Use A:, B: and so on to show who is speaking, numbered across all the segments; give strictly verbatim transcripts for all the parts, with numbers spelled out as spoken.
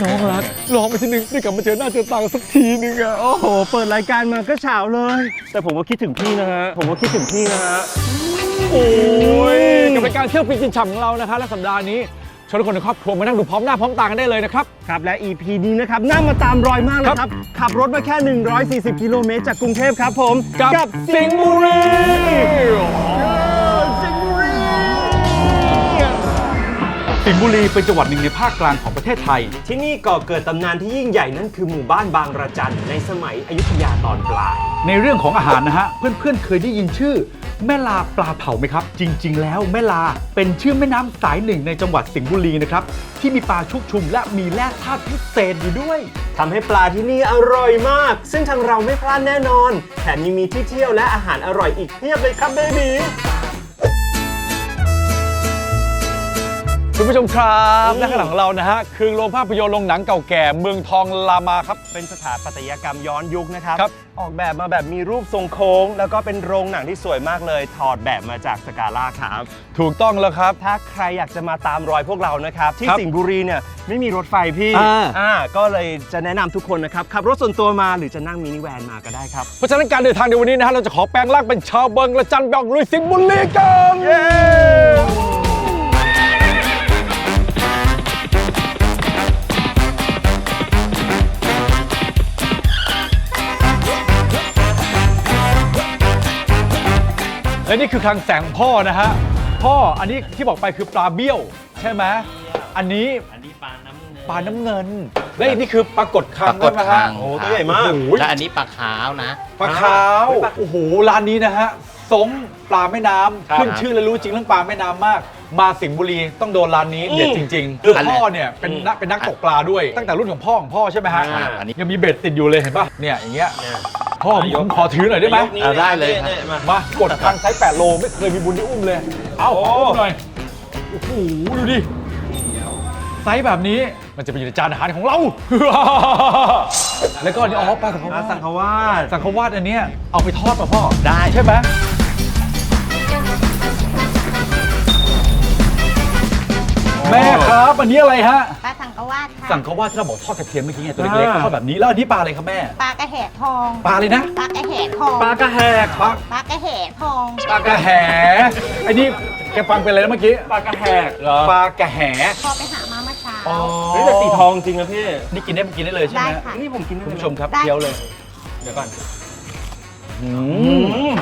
A: น้องรักลองไปทีนึงได้กลับมาเจอหน้าเจอตากันสักทีนึงอะโอ้โหเปิดรายการมาก็เฉาเลยแต่ผมก็คิดถึงพี่นะฮะผมก็คิดถึงพี่นะฮะโอ้ยกับรายการเที่ยวฟินกินฉ่ำของเรานะคะและสัปดาห์นี้ชวนทุกคนในครอบครัวมานั่งดูพร้อมหน้าพร้อมตากันได้เลยนะครับครับและ อี พี นี้นะครับน่ามาตามรอยมากเลยครับขับรถมาแค่หนึ่งร้อยสี่สิบกิโลเมตรจากกรุงเทพครับผมกับสิงห์บุรี
B: สิงห์บุรีเป็นจังหวัดหนึ่งในภาคกลางของประเทศไทย
A: ที่นี่ก่อเกิดตำนานที่ยิ่งใหญ่นั่นคือหมู่บ้านบางระจันในสมัยอยุธยาตอนปลาย
B: ในเรื่องของอาหารนะฮะเพื่อนๆเคยได้ยินชื่อแม่ลาปลาเผาไหมครับจริงๆแล้วแม่ลาเป็นชื่อแม่น้ำสายหนึ่งในจังหวัดสิงห์บุรีนะครับที่มีปลาชุกชุมและมีแร่ธาตุพิเศษอยู่ด้วย
A: ทำให้ปลาที่นี่อร่อยมากซึ่งทางเราไม่พลาดแน่นอนแถมยังมีที่เที่ยวและอาหารอร่อยอีกเพียบเลยครับเบบีคุณผู้ชมครับและข้างหลังของเรานะฮะคือโรงภาพยนตร์โรงหนังเก่าแก่เมืองทองลามาครับเป็นสถาปัตยกรรมย้อนยุคนะครับออกแบบมาแบบมีรูปทรงโค้งแล้วก็เป็นโรงหนังที่สวยมากเลยถอดแบบมาจากสกาล่าครับถูกต้องแล้วครับถ้าใครอยากจะมาตามรอยพวกเรานะครับที่สิงห์บุรีเนี่ยไม่มีรถไฟพี่อ่าก็เลยจะแนะนำทุกคนนะครับขับรถส่วนตัวมาหรือจะนั่งมินิแวนมาก็ได้ครับเพราะฉะนั้นการเดินทางในวันนี้นะฮะเราจะขอแปลงร่างเป็นชาวเบิงและจันบองลุยสิงห์บุรีกันเย้และนี่คือคลังแสงพ่อนะฮะพ่ออันนี้ที่บอกไปคือปลาเบี้ยวใช่ไหมอันนี้
C: อันนี้ปลาน้ำเงิน
A: ปลาน้ำเงินและนี่คือปลากดคัง
C: ปลากดคัง
A: โอ้ตัวใหญ่มาก
C: และอันนี้ปลาขาวนะ
A: ปลาขาวโอ้โหร้านนี้นะฮะสมปลาแม่น้ำขึ้นชื่อและรู้จริงเรื่องปลาแม่น้ำมากมาสิงห์บุรีต้องโดนร้านนี้เด็ดจริงๆคือพ่อเนี่ยเป็นนักเป็นนักตกปลาด้วยตั้งแต่รุ่นของพ่อของพ่อใช่ไหมฮะยังมีเบ็ดติดอยู่เลยเห็นป่ะเนี่ยอย่างเงี้ยพ่อผมขอถือหน่อยได้ไหม
C: ได้เลย
A: มากดคังไซส์แปดโลไม่เคยมีบุญได้อุ้มเลยเอาอุ้มหน่อยโอ้โหดูดิไซส์แบบนี้มันจะเป็นอยู่ในจานอาหารของเราแล้วก็นี่อ๋อปลาสังขวาสสังขวาสสังขวาอันเนี้ยเอาไปทอดป่ะพ่อ
C: ได้
A: ใช่ไหมแม่ครับอันนี้อะไรฮะ
D: ปลาสังขวาค่ะ
A: สังขวาที่เราบอกทอดกระเทียมเมื่อกี้ไงตัวเล็กๆทอดแบบนี้แล้วอันนี้ปลาอะไรครับแม่
D: ปลากระแหทอง
A: ปลาอะไรนะ
D: ปลากระแหทอง
A: ปลากระแหกปลา
D: ปลากระแหทอง
A: ปลากระแหไอ้นี่แกฟังเป็นอะไรนะเมื่อกี้ปลากระแหกเหรอปลากระแห
D: พอไปหามาเมื่อเช้า
A: นี่แต่สีทองจริงนะพี่นี่กินได้กินได้เลยใช่ไหมนี่ผมกินได้คุณผู้ชมครับเคี้ยวเลยเดี๋ยวก่อนอืม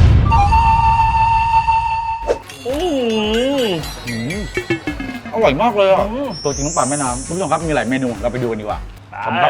A: อร่อยมากเลยอ่ะตัวจริงของปลาแม่น้ำคุณผู้ชมครับมีหลายเมนูเราไปดูกันดีกว่าครับ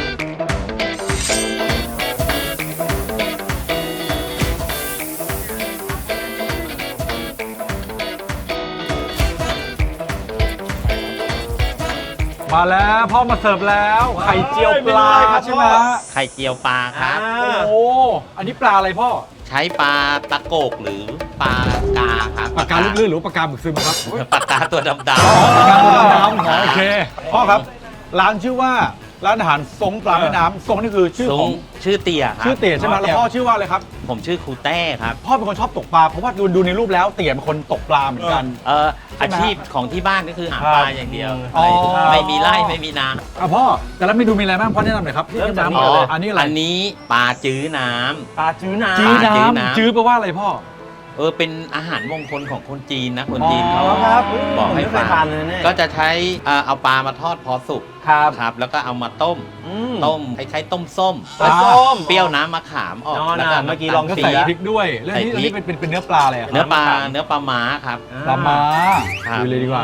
A: มาแล้วพ่อมาเสิร์ฟแล้วไข่เจียวปลาใช่ไหม
C: ไข่เจียวปลาครับ
A: โอ้อันนี้ปลาอะไรพ่อ
C: ใช้ปลาตะโกกหรือปลากาครับ
A: ปลากาลื่นๆหรือปลากาหมึกซึมครับ
C: ปลากาตัวดำๆป
A: ลากาตัวดำๆโอเคพ่อครับร้านชื่อว่าร้านอาหารทรงปลาแม่น้ำทรงนี่คือชื่อของ
C: ชื่อเตี่ยครับ
A: ชื่อเตี่ยใช่ไหมแล้วพ่อชื่อว่าอะไรครับ
C: ผมชื่อครูแต้ครับ
A: พ่อเป็นคนชอบตกปลาเพราะว่าดูดูในรูปแล้วเตี่ยเป็นคนตกปลาเหมือนกัน
C: เอออาชีพของที่บ้านก็คือหาปลาอย่างเดียวไม่มีไร่ไม่มีนา
A: อ่ะพ่อแต่ละเมนูมีอะไรบ้างพ่อแนะนำหน่อยครับ
C: เริ่มจากอันนี้อะไรอันนี้ปลาจื้อน้ำ
A: ปลาจื้อน้ำจื้อน้ำจื้อแปลว่าอะไรพ่อ
C: เออเป็นอาหารมงคลของคนจีนนะคนจีนเขาบอกให้
A: ทาน
C: ก็จะใช้เอาปลามาทอดพอสุก
A: ครับ
C: ครับแล้วก็เอามาต้มต้มคล้ายๆต้มส้ม
A: ส้ม
C: เปรี้ยวน้ำมะขามออก
A: แล้วก็เมื่อกี้ลองก็ใส่พริกด้วยแล้วนี่นี่เป็นเป็นเนื้อปลาอะไร
C: เนื้อปลาเนื้อปลาม้าครับ
A: ปลาม้าดูเลยดีกว่า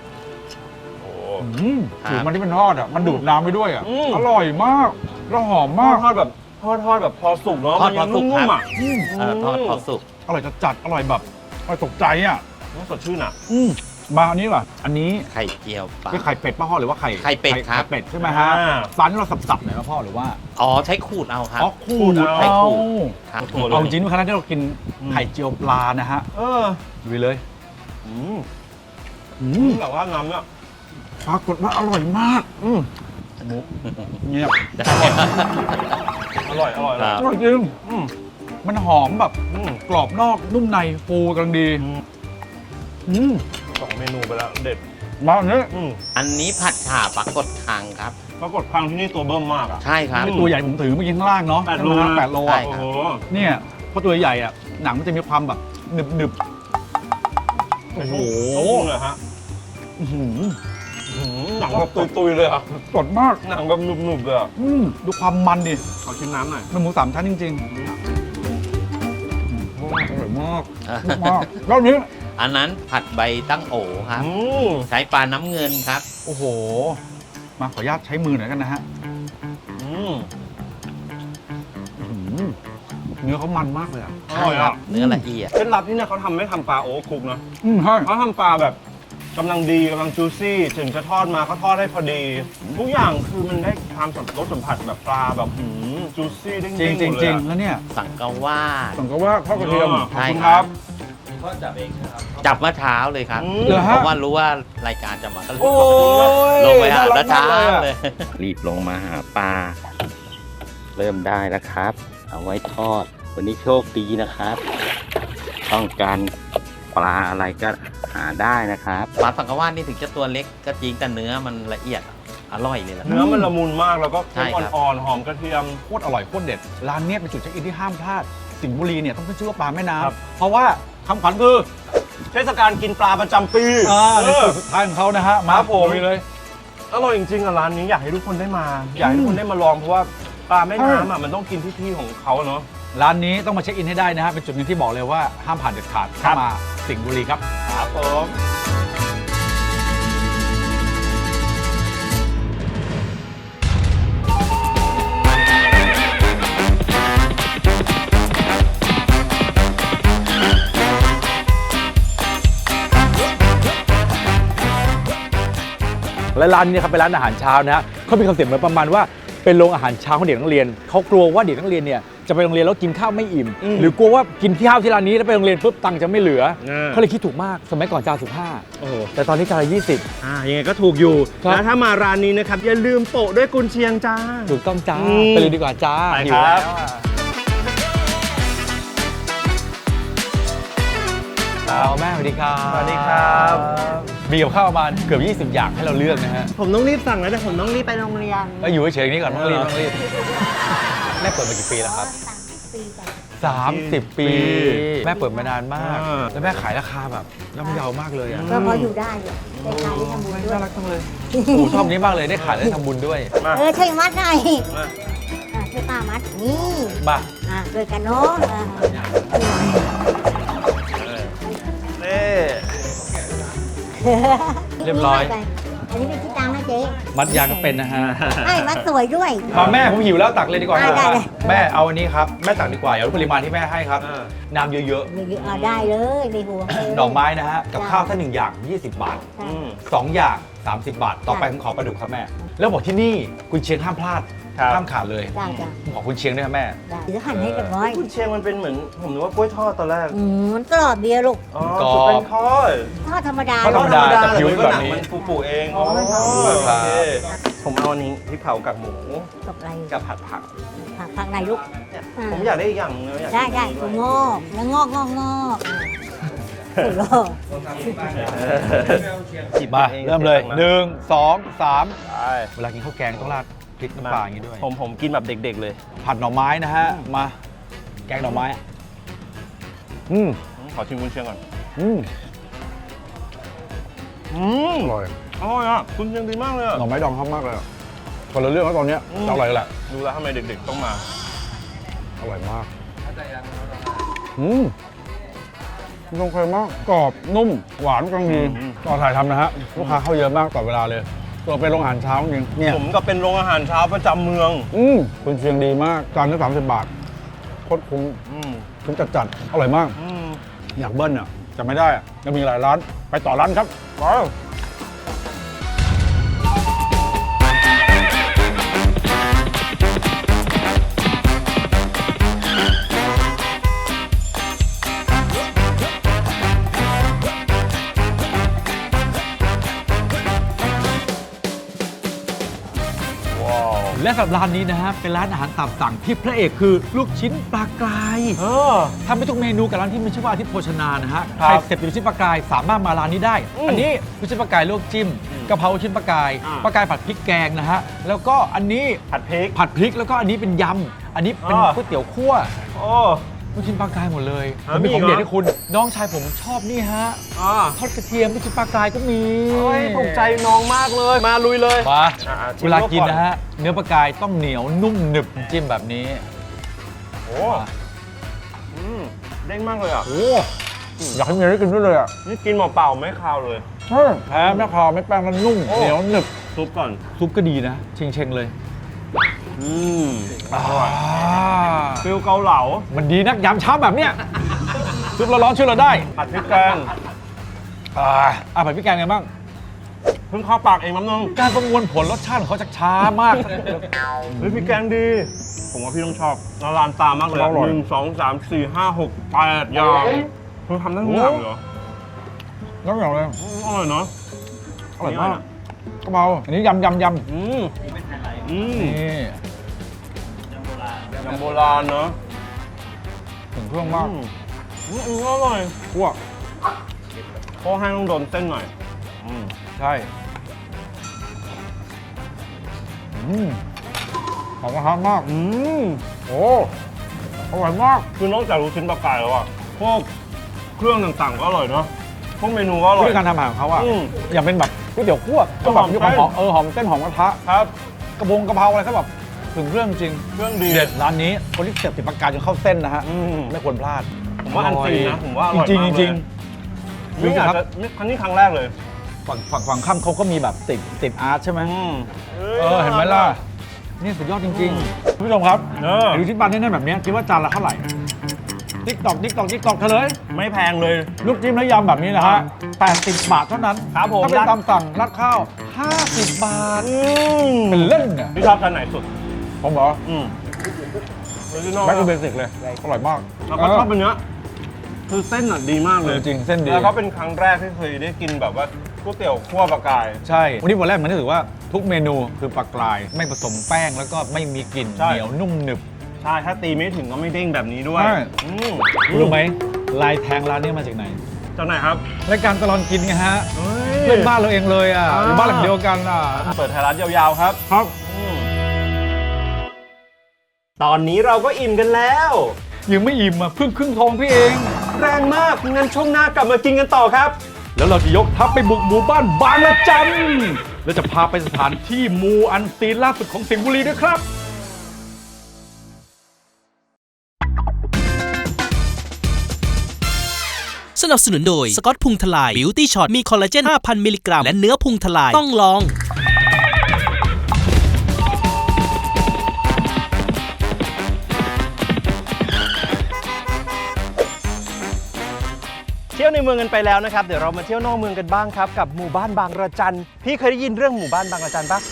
A: สูตรมันที่มันทอดอ่ะมันดูดน้ำไปด้วยอ่ะอร่อยมากแล้วหอมมากทอดแบบทอดทอดแบบพอสุกเนาะ
C: ทอดพอสุกครับทอดพอสุก
A: อร่อยจัดอร่อยแบบอร่อยตกใจอ่ะสดชื่นอ่ะมาอันนี้ว่ะอันนี้
C: ไข่เจียวปลา
A: ไข่เป็ดป้าพ่อหรือว่าไข่
C: ไข่เป็ดครับ
A: เป็ดใช่ไหมฮะร้านที่เราสับๆหน่อยพ่อหรือว่า
C: อ๋อใช้ขูดเอาครับ
A: อ๋อขูด
C: ใช้ขูด
A: เอาจริงๆคณะที่เรากินไข่เจียวปลานะฮะเออดูเลยอืมอืมแต่ว่าน้ำเนี่ยปรากฏว่าอร่อยมากอืมมุกเงียบอร่อยอร่อยอร่อยจริงมันหอมแบบกรอบนอกนุ่มในฟูกำลังดีสองเมนูไปแล้วเด็ด
B: มาอันนี้
A: อืม
C: อันนี้ผัดฉ่าปลากดคังครับ
A: ปรากฏครั้งที่นี่ตัวเบิ่มมากอ่ะ
C: ใช่ครับ
A: อืม
B: ตัวใหญ่ผมถือเมื่อกี้ข้างล่างเนาะ
A: แปดโล
B: ใช่ไหม
A: นะ
B: แปดโล
C: ใช่
B: อ่ะ
C: ครับ
A: โอ้โห
B: เนี่ยเพราะตัวใหญ่อ่ะหนังมันจะมีความแบบหนึบหนึบ โอ้โห
A: เลยฮะ
B: ๆอื้อหือ
A: หืมหนังแบบตุยๆเลยอ่ะ
B: สดมาก
A: หนังแบบหนุบๆเลยอ่ะ
B: อืมดูความมันดิ
A: ขอชิมน้ำหน่อย
B: มันหมูสามชั้นจริงๆอร่อยมากมากแล้วอันนี้
C: อันนั้นผัดใบตั้งโอครับ
A: อืม
C: ใช้ปลาน้ำเงินครับ
B: โอ้โห มาขออนุญาตใช้มือหน่อยกันนะฮะ
A: อืม
B: อื้อหือเนื้อเขามันมากเลยอ่ะ
A: อร่อยอ่ะ
C: เนื้อละเอียด
A: เคล็ดลับนี่เนี่ยเขาทำไม่ทำปลาโอ๊คคุกนะ
B: อืมใช่
A: เขาทำปลาแบบกำลังดีกำลังจูซี่ถึงจะทอดมาเขาทอดให้พอดี ทุกอย่างคือมันได้ความสัมรสสัมผัสแบบปลาแบบหืมจูซี่เด้งๆ
B: จริงจริง
A: หมด
B: จ
A: เล
B: ริ
A: ย
B: ง
A: อะ
B: แล้วเนี่ย
C: สังกะวาด
B: สังกะว่าทอดกระเทียม
A: อ๋อ
B: ขอบคุณครับ
C: จับเมื่อเช้าเลยครับ
A: อืม
B: เหรอฮะ
C: เพราะว่ารู้ว่ารายการจะมาก็เลย
A: โอ้ย
C: ลงไปหา
A: น่
C: ตาเช้า
A: รักมก
C: เล
A: อะ
C: ย รีบลงมาหาปลา เริ่มได้แล้วครับ เอาไว้ทอด วันนี้โชคดีนะครับ ต้องการปลาอะไรก็หาได้นะครับ ปลาสังกะวาดนี่ถึงจะตัวเล็กก็จริงแต่เนื้อมันละเอียดอร่อยเลยละ
A: เนื้อมันละมุนมากแล้วก็
C: ใช่
A: เค็ม
C: ครับ
A: อ่อนๆหอมกระเทียม
B: โคตรอร่อยโคตรเด็ด ร้านเนี้ยเป็นจุดเช็คอินที่ห้ามพลาด สิงห์บุรีเนี่ยต้องขึ้นชื่อว่าปลาแม่
A: ครับ
B: น้ำเพราะว่าคำขวัญคือ
A: เทศกาลกินปลาประจำปี
B: อ่าใน
A: เออ
B: จุดสุดท้ายของเขานะฮะ มา
A: ครับผม
B: ลุยเลย
A: อร่อยจริงๆอะร้านนี้อยากให้ทุกคนได้มา อยากให้ทุกคนได้มาลองเพราะว่าปลาแม่น้ำอะมันต้องกินที่ที่ของเขาเนาะ
B: ร้านนี้ต้องมาเช็คอินให้ได้นะฮะ เป็นจุดหนึ่งที่บอกเลยว่าห้ามผ่านเด็ดขาด
A: ครั
B: ถ้า
A: บ
B: มาสิงห์บุรีครับ
A: ครับผม
B: และร้านนี้ครับเป็นร้านอาหารเช้านะฮะเขามีคอนเซ็ปต์เหมือนประมาณว่าเป็นโรงอาหารเช้าของเด็กนักเรียนเขากลัวว่าเด็กนักเรียนเนี่ยจะไปโรงเรียนแล้วกินข้าวไม่อิ่ม
A: อืม
B: หรือกลัวว่ากินข้าวที่ร้านนี้แล้วไปโรงเรียนปุ๊บตังค์จะไม่เหลือ
A: อ่า
B: เขาเลยคิดถูกมากสมัยก่อนจานสิบห้า
A: โอ้โห
B: แต่ตอนนี้จานละยี่สิบ
A: อ่ายังไงก็ถูกอยู่
B: ครับ
A: แล้วถ้ามาร้านนี้นะครับอย่าลืมโปะด้วยกุนเชียงจ้า
B: ถูกต้องจ้า
A: อืม
B: ไปเลยดีกว่าจ้า
A: ไป
B: หิ
A: คว รับ
B: แล้วอะ
A: ครับ
B: เอาแม่สวัสดีครับ
A: สวัสดีครับ
B: มีกับข้าวประมาณเกือบยี่สิบอย่างให้เราเลือกนะฮะ
A: ผมต้องรีบสั่งแล้วแต่ผมต้องรีบไปโรงเรียน
B: ก็อยู่เฉยๆนี้ก่อนต้องรีบ
A: เออ
B: ต้องรีบแม่เปิดมากี่ปีแล้วครับ
D: สามสิบปีจ้ะ
B: สามสิบ ปี แม่เปิดมานานมาก
A: เออ
B: แล้วแม่ขายราคาแบบย่อมเยาวมากเลยอ่ะ
D: ก็พออยู่ได้อยู่ได้ขายได้ทำบุญด้ว
B: น่าย รักจังเลยโอ้โหชอบนี้มากเลยได้ขายได้ทำบุญด้วย
A: มา
D: เออช่วยมัดหน่อย
A: มา
D: อ่ะช่วยป้ามัดนี่
B: มา
D: อ่ะช่วยกันเนาะอ่ะ
A: เน่
B: เรียบร้อย
D: อันนี้เป็นที่ตังค์นะเจ๊
B: มัดยางก็เป็นนะฮะ
D: ไอ้มัดสวยด้วย
B: มาแม่ผมหิวแล้วตักเลยดีกว่า
D: ได้ได้เลย
B: แม่เอาอันนี้ครับแม่ตักดีกว่าอย่าลดปริมาณที่แม่ให้ครับ
A: อ่า
B: น้ำเยอะ
D: เยอะๆอ่ะได้เลยในหัวเลย
B: ๆ ดอกไม้นะฮะกับข้าวถ้าหนึ่งอย่าง ยี่สิบบาท
D: ใช่
A: อืม
B: สองอย่าง สามสิบบาท ต่อไปผมขอปลาดุกครับแม่ แล้วบอกที่นี่กุนเชียงห้ามพลาด
A: ครับ
B: ห้ามขาดเลย
D: ได้จ้ะ
B: ผมขอกุนเชียงด้วยครับแม่
D: ได้เดี๋ยวหั่นให้เรียบร้อย
A: กุนเชียงมันเป็นเหมือนผมนึกว่ากล้วยทอดตอนแรก
D: อืมมันกรอบเดียวลูก
A: อ๋อก
B: รอบ
A: สุดเป็นทอด
D: ทอดธรรมดา
B: ทอดธรรมดา แต่ผิว
A: แต่
B: แบบ
A: หนัง
B: นี้
A: มันฟูๆเอง
D: อ๋อมันทอด
A: โอ
B: ครับ
A: เคผมเอาอันนี้พริกเผากับหมู
D: กับอะไร
A: กับผัดผัก
D: ผักผักไหนลูก
A: เนี่ย
D: อ่า
A: ผมอยากได้อีกอย่างนึงอยาก
D: ได้ได้
A: กิน
D: ถั่ว
A: นี้
D: ง
A: ด้วย
D: อกแล้วงอกงอกงอกถั่วงอก
A: จิบ
B: มา
A: อง
B: เริ่มเลย
A: สีงดัง
B: หนึ่งสองสาม
A: ไป
B: เวลากินข้าวแกงต้องราดพริกน้ำปลาอย่างนี้ด้วย
A: ผมผมกินแบบเด็กๆเลย
B: ผัดหน่อไม้นะฮะ มา แกงหน่อไม้ อืม
A: ขอชิมกุนเชียงก่อน
B: อืม
A: อืม
B: อร่อย
A: อร่อยอ่ะกุนเชียงดีมากเลยอะ
B: หน่อไม้ดองชอบมากเลยอะคนละเรื่องแล้วตอนเนี้ย
A: อืม
B: อร่อยแหละ
A: ดูแล้วทำไมเด็กๆต้องมา
B: อร่อยมาก อืมตรงเคยมาก กรอบ นุ่ม หวานกำลังดี
A: อืม
B: ต่อถ่ายทำนะฮะ ลูกค้าเข้าเยอะมากต่อเวลาเลย ตัวเป็นโรงอาหารเช้าจริงเนี่ย
A: ผมก็เป็นโรงอาหารเช้าประจำเมือง
B: อืมคุณเชียงดีมากจานละสามสิบบาทโคตรคุ้ม
A: อืม
B: คุ้มจัดจัดๆอร่อยมาก
A: อืม
B: อยากเบิ้ลอ่ะจะไม่ได้อ่ะยังมีหลายร้าน ไปต่อร้านครับไป
A: ว้าว
B: และสำหรับร้านนี้นะฮะเป็นร้านอาหารตามสั่งที่พระเอกคือลูกชิ้นปลากราย
A: เออ
B: ทำไปทุกเมนูกับร้านที่มีชื่อว่าอาทิตย์โภชนานะฮะ
A: ครั
B: ใคร
A: บ
B: เสพติดลูกชิ้นปลากรายสามารถมาร้านนี้ได้
A: อืม
B: อันนี้ลูกชิ้นปลากรายลวกจิ้มกะเพราลูกชิ้นปลากราย
A: อ่า
B: ปลากรายผัดพริกแกงนะฮะแล้วก็อันนี้
A: ผัดพริก
B: ผัดพริกแล้วก็อันนี้เป็นยำอันนี้เป็น
A: อ่า
B: ก๋วยเตี๋ยวคั่ว
A: โอ้
B: ลูกชิ้นปลากรายหมดเลย
A: อ่า
B: ผมมี
A: มี
B: ของ
A: อีกเหรอ
B: เด็ดให้คุณน้องชายผมชอบนี่ฮะ
A: อ่า
B: ทอดกระเทียมลูกชิ้นปลากรายก็มี
A: โอ้ยถูกใจน้องมากเลย มาลุยเลย
B: มา
A: อ่าๆชิม
B: เวลากิน
A: ก่อน
B: นะฮะเนื้อปลากรายต้องเหนียวนุ่มหนึบจิ้มแบบนี้
A: โอ้อืมเด้งมากเลยอ่ะ
B: โอ้อยากให้เมียได้กินด้วยเลยอ่ะ
A: นี่กินเปล่าๆไม่คาวเลย
B: แพ้ไม่พอไม่แป้งมันนุ่ม
A: โอ้
B: เหนียวหนึบ
A: ซุปก่อน
B: ซุปก็ดีนะเชงเชงๆเลย
A: อืมอร่อยฟิลเกาเหลา
B: มันดีนักยามเช้าแบบเนี้ยซุปร้อนๆช่วยเราได้
A: ผัดพริกแกง
B: อ่าอ่ะผัดพริกแกงไงบ้าง
A: เพิ่งเข้าปากเองน้ำนึง
B: การประมวลผลรสชาติของเขาจะช้ามาก
A: เฮ้ยพริกแกงดี ผมว่าพี่ต้องชอบละลานตามากเลย
B: อร่อย
A: หนึ่งสองสามสี่ห้าหกแปดอย่างคุณทำได้ทุกอย่างเหรอ
B: น้ำอย่างเลย
A: อืมอร่อยเนาะ
B: อร่อยมากกะเพราอันนี้ยำยำยำ
A: อืมอืม
B: นี่
A: ยำโบราณเนาะ
B: ถึงเครื่องมาก
A: อืมอืมอืมอร่อย
B: คั่ว
A: เพราะให้ต้องโดนเส้นหน่อยอืม
B: ใช่อืมหอมกระทะมาก
A: อืม
B: โอ้อร่อยมาก
A: คือนอกจากลูกชิ้นปลากรายแล้วอะพวกเครื่องต่างๆก็อร่อยเนาะพวกเมนูก็อร่
B: วิ
A: อย
B: ธีการทำอาหารของเขาอะ
A: อืม
B: อย่างเป็นแบบก๋วยเตี๋ยวคั่วก็แบบ
A: หอม
B: มีความ
A: เส้น
B: หอมเออหอมเส้นหอมกระทะ
A: ครับ
B: กระพงกระเพราอะไรก็แบบถึงเครื่องจริง
A: เครื่องดี
B: เด็ดร้านนี้คนที่เสพติดปากกาจนเข้าเส้นนะฮะ
A: อืม
B: ไม่ควรพลาด
A: ผมว่าอันซีนนะผมว่าอร่อย
B: จริง
A: มาก
B: ๆจริง
A: เลย นี่อาจ
B: ๆครับ
A: จะนี่ครั้งนี้ครั้งแรกเลย
B: ฝั่งฝั่งฝั่งข้ามเขาก็มีแบบติดติดอาร์ตใช่ไหม
A: อืม
B: เออเห็นไหมล่ะนี่สุดยอดจริงๆคุณผู้ชมครับ
A: เออ
B: ดูที่บ้านแน่ๆแบบนี้คิดว่าจานละเท่าไหร่ติ๊กตอกติ๊กตอกติ๊กตอกเฉลย
A: ไม่แพงเลย
B: ลูกจิ้มและยำแบบนี้นะฮะแปดสิบบาทเท่านั้น
A: ครับผม
B: ถ้าเป็นตามสั่งราดข้าวห้าสิบบาท
A: อืม
B: เป็นเล่นเนี่ย
A: พี่ชอบจานไหนสุด
B: ผมบอก
A: อืมออริจินอล
B: แบ็คทูเบสิกเลยอร่อยมาก
A: แล้วก็ชอบเป็นเนื้อคือเส้นอ่ะดีมาก
B: เอ
A: เลย
B: อจริงเส้นดี
A: แล้วก็เป็นครั้งแรกที่เคยได้กินแบบว่าก๋วยเตี๋ยวคั่วปลากราย
B: ใช่วันนี้วันแรกมันรู้สึกว่าทุกเมนูคือปลากราย ไม่ผสมแป้งแล้วก็ไม่มีกลิ่น
A: ใช่
B: เหนียวนุ่มหนึบ
A: ใช่ ถ้าตีไม่ถึงก็ไม่เด้งแบบนี้ด้วย
B: ใช่
A: อืม
B: รู้ไหมลายแทงร้านนี้มาจากไหน
A: จากไหนครับ
B: รายการตลอดกินไงฮะ
A: เฮ้ย
B: เพื่อนบ้านเราเองเลยอ่ะ
A: อ่า
B: อยู่บ้านหลังเดียวกันอ่ะ
A: เปิดไทยรัฐยาวๆครับ
B: ครับ
A: อืมตอนนี้เราก็อิ่มกันแล้ว
B: ยังไม่อิ่มอ่ะเพิ่งครึ่งทองพี่เอง
A: แรงมากงั้นช่วงหน้ากลับมากินกันต่อครับ
B: แล้วเราจะยกทัพไปบุกหมู่บ้านบางละจันแล้วจะพาไปสถานที่มูอันซีนล่าสุดของสิงห์บุรีด้วยครับ
E: สนับสนุนโดยสกอตพุงทลาย Beauty Shot มีคอลลาเจน ห้าพัน มิลลิกรัม และเนื้อพุงทลาย ต้องลอง
A: เที่ยวในเมืองกันไปแล้วนะครับ เดี๋ยวเรามาเที่ยวนอกเมืองกันบ้างครับกับหมู่บ้านบางระจัน พี่เคยได้ยินเรื่องหมู่บ้านบางระจันปะ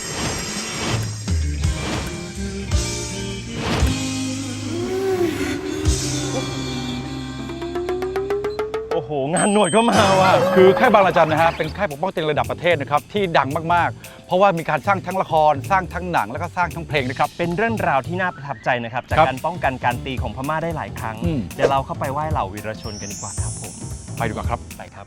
A: โอ้โห งานหนวดก็มาว่ะ
B: คือค่ายบางระจันนะฮะเป็นค่ายปกป้องเตียงระดับประเทศนะครับที่ดังมากๆ เพราะว่ามีการสร้างทั้งละครสร้างทั้งหนังแล้วก็สร้างทั้งเพลงนะครับ
A: เป็นเรื่องราวที่น่าประทับใจนะครับ จาก
B: ครับ
A: การป้องกันการตีของพม่าได้หลายครั้ง
B: อืม
A: เดี๋ยวเราเข้าไปไหว้เหล่าวีรชนกันดีกว่าครับผม
B: ไปดีกว่าครับ
A: ไปครับ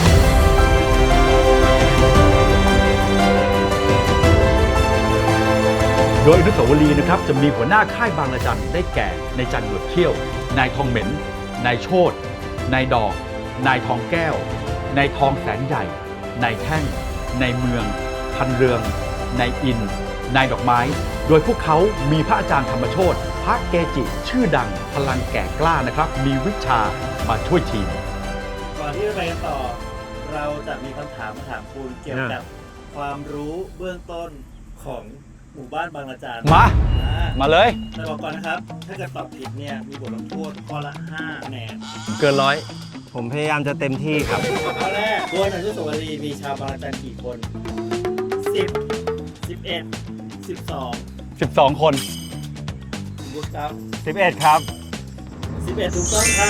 B: โดยอนุสาวรีย์นะครับจะมีหัวหน้าค่ายบางระจันได้แก่นายจันหนวดเขี้ยว นายทองเหม็น นายโชตนายดอก นายทองแก้ว นายทองแสนใหญ่ นายแท่ง นายเมือง พันเรือง นายอิน นายดอกไม้ โดยพวกเขามีพระอาจารย์ธรรมโชติพระเกจิ ชื่อดังพลังแก่กล้านะครับ มีวิชามาช่วยทีม
F: ก่อนที่จะไปกันต่อ เราจะมีคำถามมาถามคุณเกี่ยวกับความรู้เบื้องต้นของหมู่บ้านบางระจัน
B: มา
F: อ่า
B: มาเลย
F: แต่บอกก่อนนะครับ ถ้าเกิดตอบผิดเนี่ยมีบทลงโทษข้อละห้าคะแนน
B: เกินร้อย
A: ผมพยายามจะเต็มที่ครับ
F: ข้อแรกบนอนุสาวรีย์มีชาวบางระจันกี่คนสิบ สิบเอ็ด สิบสอง
B: สิบสอง คน
F: บุญครับ
A: สิบเอ็ด ครับ
F: สิบเอ็ดถูกต้องครับ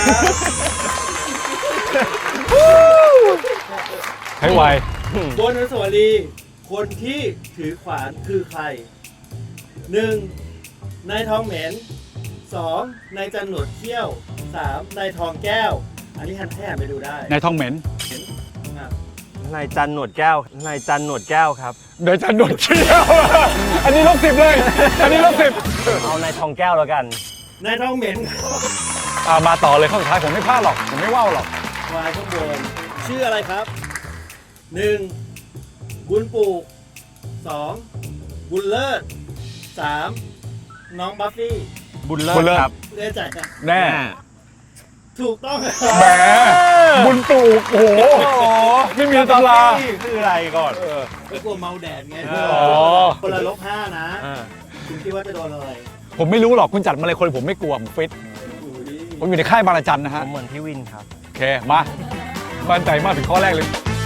B: ให้ไว
F: บนอนุสาวรีย์คนที่ถือขวานคือใครหนึ่งนายทองเหม็นสองนายจันหนวดเขี้ยวสามนายทองแก้ว อันนี้หันแท้ไปดูได้
B: นายทองเหม็น
F: อ่ะ
A: นายจันหนวดแก้ว นายจันหนวดแก้วครับ
B: นายจันหนวดเขี้ยว อันนี้ลบสิบเลย อันนี้ลบสิบ
A: เอานายทองแก้วแล้วกัน
F: นายทองเหม็น
B: อ่ามาต่อเลยข้อสุดท้ายผมไม่พลาดหรอก ผมไม่ว่าวหรอก
F: วายข้างบนชื่ออะไรครับหนึ่งบุญปลูกสองบุญเลิศสามน้องบัฟฟี่
A: บุญเลิ
B: บุ
A: ศ
B: ญเลิศ
A: ครับ
F: แน่ใจนะ
B: แน่
F: ถูกต้อง
B: แหม บุญปลูก โอ้โห ไม่มีตำรา
A: นี่คืออะไรก่อน
F: ไม่กลัวเมาแดดไง
A: อ๋อ
F: คนละลบห้านะ
A: อ่า
F: คุณคิดว่าจะโดนอะไร
B: ผมไม่รู้หรอกคุณจัดมาเลยคนผมไม่กลัว ผมฟิต
F: อุ้ย
B: ผมอยู่ในค่ายบางระจันนะ
A: ผ
B: ฮะ
A: มเหมือนพี่วินครับ
B: โอเค มามั่นใจมากถึงข้อแรกเลย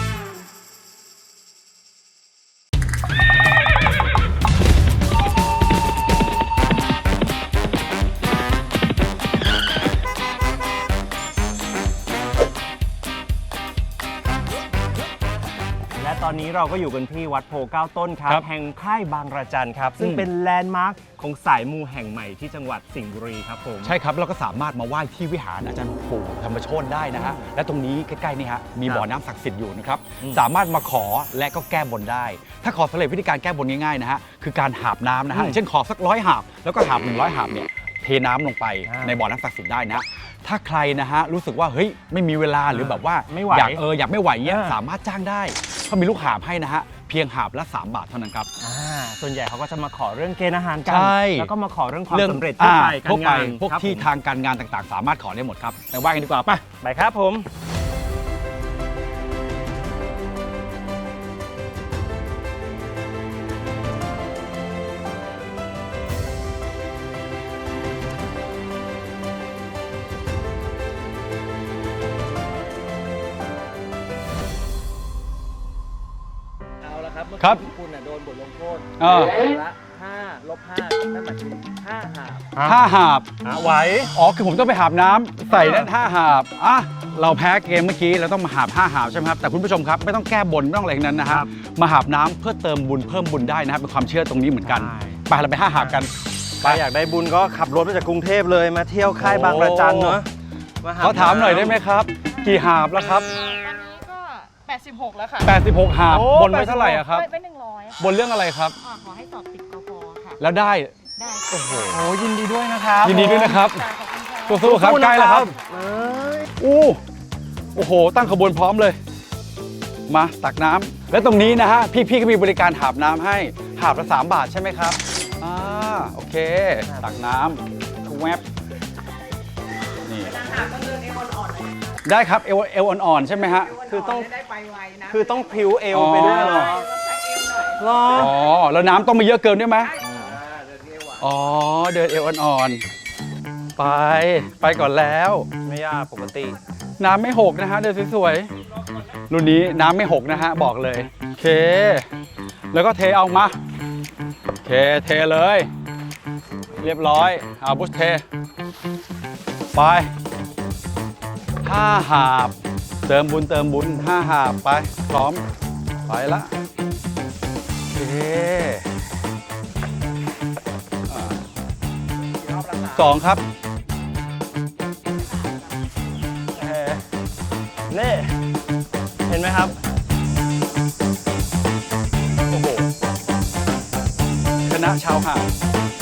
A: และตอนนี้เราก็อยู่กันที่วัดโพเก้าต้นครับ
B: ครับ
A: แห่งค่ายบางระจันครับ ซึ่ง
B: อืม
A: เป็นแลนด์มาร์คของสายมูแห่งใหม่ที่จังหวัดสิงห์บุรีครับผม
B: ใช่ครับเราก็สามารถมาไหว้ที่วิหารอาจารย์ปู่ธรรมโชติได้นะฮะและตรงนี้ใกล้ๆนี่ฮะมีบ่อน้ำศักดิ์สิทธิ์อยู่นะครับ
A: อืม
B: สามารถมาขอและก็แก้บนได้ ถ้าขอสำเร็จวิธีการแก้บนง่ายๆนะฮะคือการหาบน้ำนะฮะ
A: อืม
B: อย่างเช่นขอสักร้อยหาบแล้วก็หาบหนึ่งร้อยหาบเนี่ยเทน้ำลงไป
A: อ่า
B: ในบ่อน้ำศักดิ์สิทธิ์ได้นะ ถ้าใครนะฮะรู้สึกว่าเฮ้ยไม่มีเวลาหรือแบบว่า
A: ไม่ไหว
B: อยากเอออยากไม่ไหวเนี่ย
A: อ่า
B: สามารถจ้างได้เขามีลูกหาบให้นะฮะเพียงหาบละสามบาทเท่านั้นครับ
A: อ่าส่วนใหญ่เขาก็จะมาขอเรื่องเกณฑ์อาหารกั
B: ใช่
A: แล้วก็มาขอเรื่องความ
B: เรื่อง
A: สำเร็จทั่วไป
B: อ่าทั่วไป
A: การงาน
B: พวก
A: ครับ
B: ที่
A: ผม
B: ทางการงานต่างๆ สามารถขอได้หมดครับไปไหว้กันดีกว่าไป
A: ไปครับผม
F: เอาละครับเมื่อ
B: ครับ
F: กี้คุณน่ะโดนบทลงโทษ
B: เออ
F: ละห้าลบห้านั่นหมายถึงห้าหาบ
B: ห้าหาบ
A: อ่ะไหว
B: อ๋อ คือผมต้องไปหาบน้ำใส่นั่นห้าหาบอ่ะเราแพ้เกมเมื่อกี้เราต้องมาหาบห้าหาบใช่ไหมครับ แต่คุณผู้ชมครับไม่ต้องแก้บนไม่ต้องอะไรทั้งนั้นนะฮะ
A: ครับ
B: มาหาบน้ำเพื่อเติมบุญเพิ่มบุญได้นะครับเป็นความเชื่อตรงนี้เหมือนกัน
A: ใช่
B: ไปเราไปห้าหาบกัน
A: ใครอยากได้บุญก็ขับรถมาจากกรุงเทพเลยมาเที่ยวค่ายบางระจันเนาะห
B: เขาถามหน่อยได้ไหมครับ กี่หาบแล้วครับ
G: ตอนนี้ก็ แปดสิบหก แล้วค่ะ
B: แปดสิบหกหาบ
A: โอ้
B: บนไว้เท่าไหร่อะครับ
G: ไปหนึ่งร้อย
B: บนเรื่องอะไรครับ
G: ขอให้สอบติดกพค่ะ
B: แล้วได้
G: ได้
B: โอ้โห
A: โอ้ยินดีด้วยนะครับ
B: ยินดีด้วยนะครับ
G: ค่ะขอบคุณค่ะ
B: สู้ๆครับใกล้แล้วครับ
A: เอ้ย
B: อู้โอ้โห ตั้งขบวนพร้อมเลย มาตักน้ำและตรงนี้นะฮะ พี่ๆก็มีบริการหาบน้ำให้ หาบละสามบาทใช่ไหมครับอ่าโอเค ตักน้ำทุกแวบนี่ได้ครับเอวเอวอ่อนๆใช่ไหมฮะ
A: คือต้อง
G: ได้ไปไวนะ
A: คือต้องพริ้วเอวไปด้วยเหรอ
G: ใช้เอวหน่อย
A: เหรอ
B: อ๋อ แล้วน้ำต้องไม่เยอะเกินด้วยไหมอ๋อ เดินเอวอ่อนๆ ไป ไปก่อนแล้ว
A: ไม่ยากปกติ
B: น้ำไม่หกนะฮะ เดินสวยๆ รุ่นนี้น้ำไม่หกนะฮะ บอกเลย โอเค แล้วก็เทเอามา โอเค เทเลย เรียบร้อย เอาบุชเท ไปห้าหาบ เติมบุญเติมบุญห้าหาบไป พร้อม ไปละโอเคอ่าสองครับ
A: เออนี่เห็นไหมครับ
B: โอ้โหคณะชาวหาด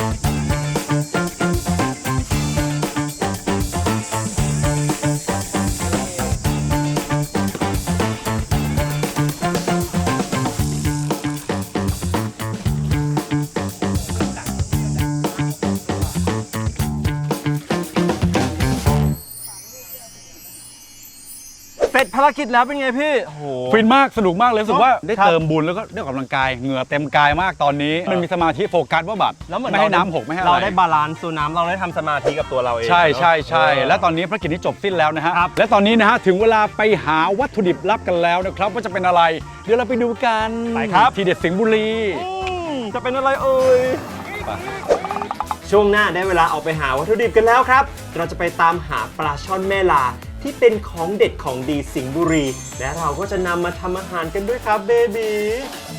A: เสร็จภารกิจแล้วเป็นไงพี่โอ้โห
B: ฟินมาก สนุกมากเลยรู้สึกว่าได้
A: ครับ
B: เติมบุญแล้วก็ได้ออกกำลังกาย เหงื่อเต็มกายมากตอนนี้ มันมีสมาธิโฟกัสว่าแบบ
A: แล้วเหมือน
B: ไม่ให้
A: เรา
B: น้ำหกไม่ให้อะไร
A: เราได้บาลานซ์ตัวน้ำเราได้ทำสมาธิกับตัวเราเอง
B: ใช่ใช่ใช่
A: เนอะ
B: และตอนนี้ภารกิจนี้จบสิ้นแล้วนะฮะ
A: ครับ
B: และตอนนี้นะฮะถึงเวลาไปหาวัตถุดิบลับกันแล้วนะครับว่าจะเป็นอะไร เดี๋ยวเราไปดูกัน
A: ไปครับ
B: ทีเด็ดสิงห์บุรี
A: อืมจะเป็นอะไรเอ่ย ช่วงหน้าได้เวลาออกไปหาวัตถุดิบกันแล้วครับ เราจะไปตามหาปลาช่อนแม่ลาที่เป็นของเด็ดของดีสิงห์บุรี และเราก็จะนำมาทำอาหารกันด้วยครับเบบี